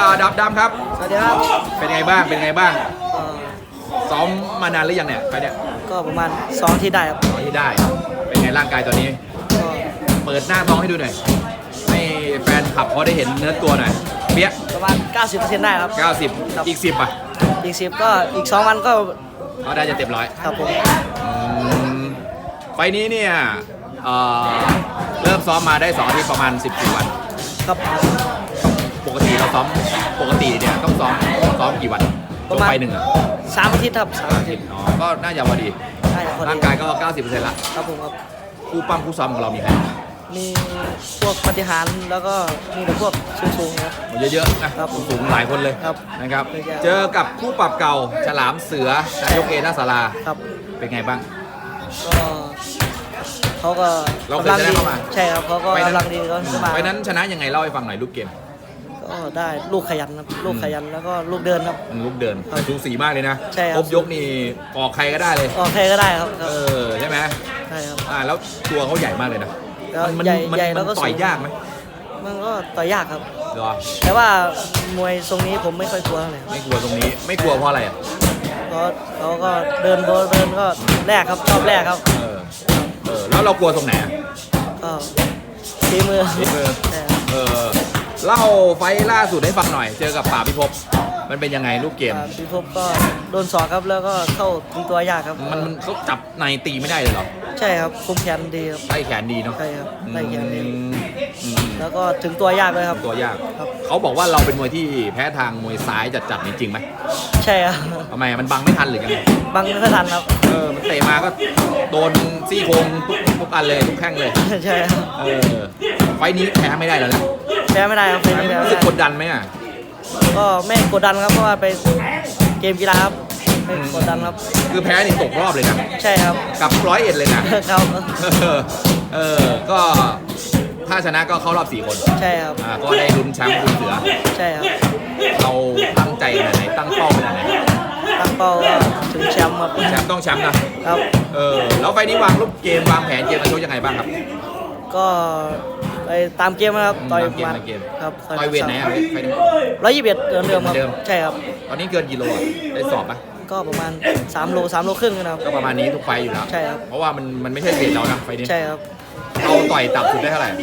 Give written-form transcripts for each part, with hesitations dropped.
ดับดำครับสวัสดีครับเป็นไงบ้างเป็นไงบ้างเอ่อซ้อมมานานหรือยังเนี่ยไปเนี่ยก็ประมาณ2ที่ได้ครับซ้อมที่ได้เป็นไงร่างกายตอนนี้ก็เปิดหน้าท้องให้ดูหน่อยให้แฟนคลับเขาได้เห็นเนื้อตัวหน่อยเปี้ยประมาณ 90%ได้ครับ 90อีก10อ่ะอีก10ก็อีก2วันก็เขาได้จะเต็มร้อยครับผมไฟล์นี้เนี่ยเริ่มซ้อมมาได้2อาทิตย์ประมาณ14วันครับปกติเราซ้อมปกติเนี่ยต้องซ้อมกี่วันประมาณไฟหนึ่งอ่ะ 3 อาทิตย์ครับ3 อาทิตย์อ๋อก็น่าจะพอดีได้ครับพอดีร่างกายก็ 90%ละครับผมครับคู่ปั้มคู่ซ้อมของเรามีใครมีพวกปฏิหารย์แล้วก็มีแต่พวกสูงๆครับเยอะๆนะครับ สูงหลายคนเลยครับนะครับเยอะๆเจอกับคู่ปรับเก่าฉลามเสือนายกเอท่าสาราครับเป็นไงบ้างก็เขาก็เราเคยชนะเข้ามาใช่ครับเขาก็กำลังดีก็มาไฟนั้นชนะยังไงเล่าให้ฟังหน่อยลูกเกมก็ได้ลูกขยันครับลูกขยันแล้วก็ลูกเดินครับลูกเดินครับสูสีมากเลยนะใช่ครับครบยกนี่ออกใครก็ได้เลยออกใครก็ได้ครับครับใช่ไหมใช่ครับแล้วตัวเขาใหญ่มากเลยนะแล้วมันใหญ่มันใหญ่มัแล้วก็ต่อยสูงยากไหมมันก็ต่อยยากครับเหรอแต่ว่ามวยทรงนี้ผมไม่ค่อยกลัวเท่าไหร่ครับไม่กลัวตรงนี้ไม่กลัวเพราะอะไรอ่ะเพราะเขาก็เดินก็แรกครับชอบแรกครับแล้วเรากลัวตรงไหนอ่ะก็ฝีมือฝีมือใช่ครับเล่าไฟล์ล่าสุดให้ฟังหน่อย เจอกับป่าพิภพมันเป็นยังไงลูกเกมพี่พบก็โดนศอกครับแล้วก็เข้าถึงตัวยากครับมันเขาจับในตีไม่ได้เลยเหรอใช่ครับคุมแขนดีครับไล่แขนดีเนาะใช่ครับไล่แขนดีอืมแล้วก็ถึงตัวยากเลยครับตัวยากครับเขาบอกว่าเราเป็นมวยที่แพ้ทางมวยซ้ายจัดๆนี่จริงไหมใช่ครับทำไมมันบังไม่ทันหรือยังไงบังไม่ทันครับมันเตะมาก็โดนซี่โครงทุกอันเลยทุกแข้งเลยใช่ครับไฟล์นี้แพ้ไม่ได้แล้วนะแพ้ไม่ได้ครับแพ้ไม่ได้รู้สึกกดดันไหมอ่ะก็ไม่กดดันครับเพราะว่าไปเกมกีฬาครับไม่กดดันครับคือแพ้นี่ตกรอบเลยนะใช่ครับกับ101เลยนะครับก็ถ้าชนะก็เข้ารอบ4คนใช่ครับก็ได้ลุ้นแชมป์คุณเสือใช่ครับเราตั้งใจขนาดไหนตั้งเป้าขนาดไหนตั้งเป้าว่าถึงแชมป์ครับแชมป์ต้องแชมป์นะครับ แล้วไฟล์นี้วางรูปเกมวางแผนเกมมาชกยังไงบ้างครับก็ไปตามเกมนะครับต่อยตามเกมมาตามเกมครับต่อยเวทไหนอ่ะไฟล์นี้ 121เดิมครับเดิมใช่ครับตอนนี้เกินกิโลอ่ะได้สอบปะก็ประมาณ3 โลครึ่งนะครับก็ประมาณนี้ทุกไฟล์อยู่แล้วใช่ครับเพราะว่ามันไม่ใช่เวทเรานะไฟล์นี้ใช่ครับเราต่อยต่ำสุดได้เท่าไหร่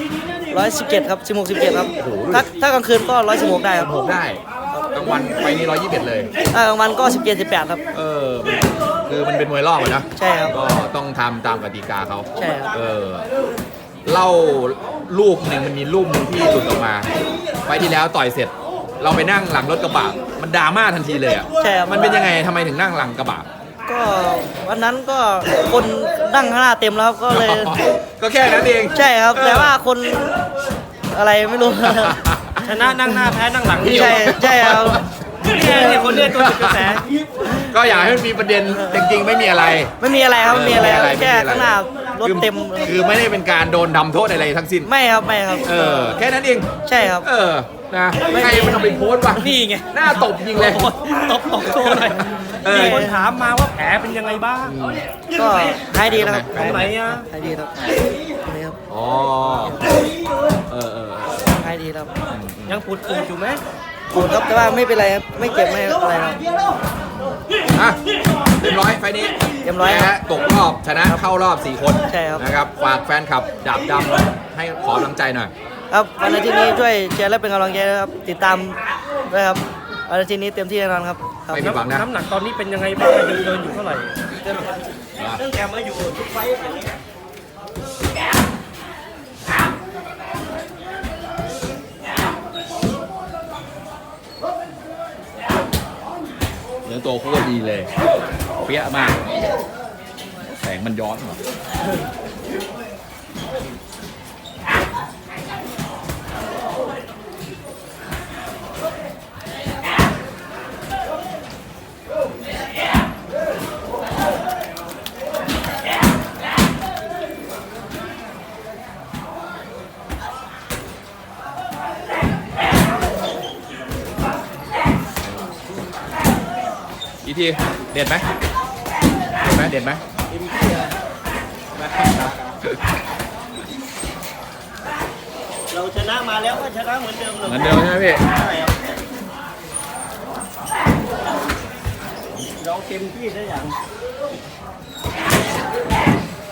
117ครับ16 17ครับโอ้โหถ้ากลางคืนก็116ได้ครับผมได้กลางวันไฟล์นี้121เลยถ้ากลางวันก็17 18ครับคือมันเป็นมวยรอบอะนะใช่ครับก็ต้องทำตามกติกาเขาใช่ครับเล่ารูปหนึ่งมันมีรูปหนึ่งที่หลุดออกมาไฟล์ที่แล้วต่อยเสร็จ เราไปนั่งหลังรถกระบะมันดราม่าทันทีเลยอ่ะใช่ครับมันเป็นยังไงทำไมถึงนั่งหลังกระบะก็วันนั้นก็คนนั่งข้างหน้าเต็มแล้วครับก็เลยก็แค่นั้นเองใช่ครับ แต่ว่าคนอะไรไม่รู้ชนะนั่งหน้าแพ้นั่งหลังใช่ใช่ครับเนี่ยคนเนี้ยตัวจุดกระแสก็อยากให้มันมีประเด็นจริงๆไม่มีอะไรไม่มีอะไรครับไม่มีอะไรครับไม่มีแค่อะไรข้างหน้ารถเต็มคือไม่ได้เป็นการโดนทำโทษอะไรทั้งสิ้นไม่ครับไม่ครับแค่นั้นเองใช่ครับนะใครมันเอาไปโพสต์วะนี่ไงหน้าตบจริงเลยตบโชว์หน่อยมีคนถามมาว่าแผลเป็นยังไงบ้างก็หายดีแล้วครับตรงไหนอ่ะหายดีแล้วตรงนี้ครับอ๋อหายดีแล้วยังปวดอึอยู่ไหมปวดครับแต่ว่าไม่เป็นไรครับไม่เจ็บไม่อะไรครับเต็มร้อยไฟล์นี้เต็มร้อยแพ้ตกรอบชนะเข้ารอบ4 คนใช่ครับนะครับฝากแฟนคลับดาบดำให้ขอกำลังใจหน่อยครับวันอาทิตย์นี้ช่วยเชียร์และเป็นกำลังใจนะครับติดตามด้วยครับวันอาทิตย์นี้เต็มที่แน่นอนครับครับไม่ผิดหวังนะน้ำหนักตอนนี้เป็นยังไงบ้างยังเดินอยู่เท่าไหร่ตั้งแต่มาอยู่ทุกไฟท์เนื้อตัวโคตรดีเลยเปี้ยมาก แสงมันย้อนเหรออีทีเด็ดไหมเด็ดไหมเราชนะมาแล้วก็ชนะเหมือนเดิมเลยเหมือนเดิมใช่ไหมพี่ใช่ครับเราเต็มที่ได้อย่าง